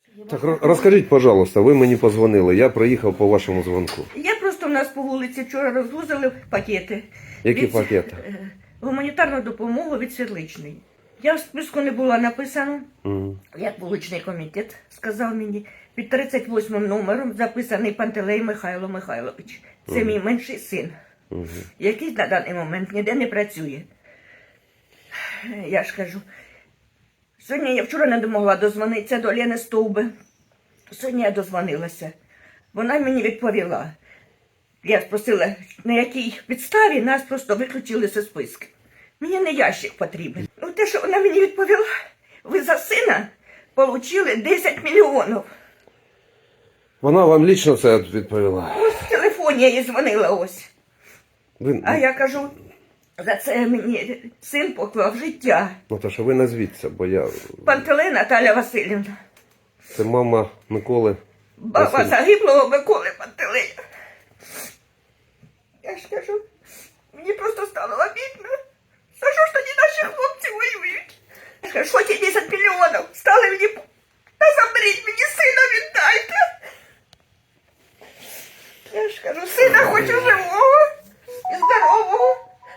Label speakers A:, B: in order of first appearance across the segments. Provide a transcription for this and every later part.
A: Так, розкажіть, пожалуйста, ви мені позвонили, я приїхав по вашому дзвонку.
B: Я просто в нас по вулиці вчора розвозили пакети.
A: Які пакети?
B: Гуманітарну допомогу від Світличної. Я в списку не була написано,
A: Угу.
B: як вуличний комітет сказав мені, під 38 номером записаний Пантелей Михайло Михайлович. Це мій менший син, який на даний момент ніде не працює. Я ж кажу, сьогодні я вчора не могла дозвонитися до Лени Стовби. Сьогодні я дозвонилася. Вона мені відповіла. Я спросила, на якій підставі нас просто виключили зі списку. Мені не ящик потрібен. Ну, те, що вона мені відповіла, ви за сина отримали 10 мільйонів.
A: Вона вам лічно це відповіла?
B: Ось в телефоні я їй дзвонила ось.
A: Ви...
B: А я кажу, за це мені син поклав життя.
A: Наташа, ви назвіться, бо я...
B: Пантелей Наталя Васильівна.
A: Це мама Миколи
B: Баба
A: Василь...
B: загиблого Миколи Пантелея. Я ж кажу, мені просто стало обідно. За що ж тоді наші хлопці воюють? Я ж кажу, що ті 10 мільйонів? Стали мені, та заберіть мені сина, віддайте. Я ж кажу, сина хочу живого і здорового.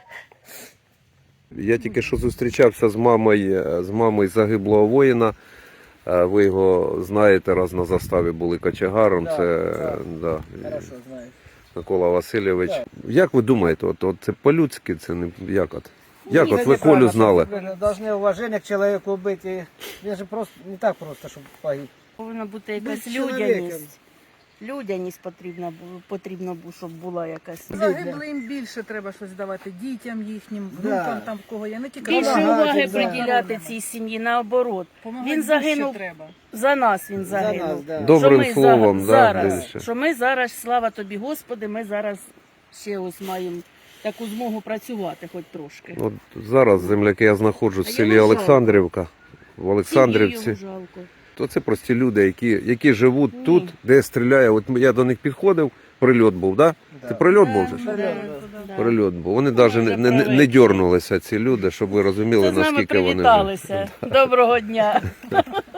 A: Я тільки що зустрічався з мамою загиблого воїна. Ви його знаєте, раз на заставі були кочегаром.
C: Да,
A: це
C: да.
A: Да,
C: Хорошо, знаю.
A: Микола Васильович.
C: Так.
A: Як ви думаєте, от це по-людськи, це не як от? Як от ви
C: Это
A: Колю
C: неправильно,
A: знали?
C: что вы должны уважение к человеку быть. И это же просто не так просто, чтобы погиб.
D: Повинна бути якась
C: Будь чоловіком.
D: людяність. Людяність потрібно, щоб була якась.
E: Загиблим більше треба щось давати дітям їхнім, внукам, там в кого є, не тільки
D: Більше
C: Помагати,
D: уваги
C: да.
D: приділяти цій сім'ї, наоборот.
E: Помагати
D: Він
E: більше
D: загинув
E: треба.
D: за нас, він
C: За нас,
D: загинув.
C: да.
A: Добрим
D: Що ми
A: словом, да,
D: зараз,
A: більше.
D: що ми зараз, слава тобі, Господи, ми зараз ще ось маємо таку змогу працювати хоч трошки.
A: От зараз, земляки, я знаходжусь в
D: А
A: селі
D: йому жалко.
A: Олександрівка. В
D: Сім'ї
A: Олександрівці.
D: йому жалко.
A: То це прості люди, які живуть
D: Ні.
A: тут, де стріляє. От я до них підходив, прильот був, да? Це прильот був же ж?
D: Да.
A: Прильот був. Вони навіть
D: вже
A: не
D: прилетіли.
A: дьорнулися, ці люди, щоб ви розуміли,
D: Це з нами
A: наскільки вони...
D: привіталися. Доброго дня.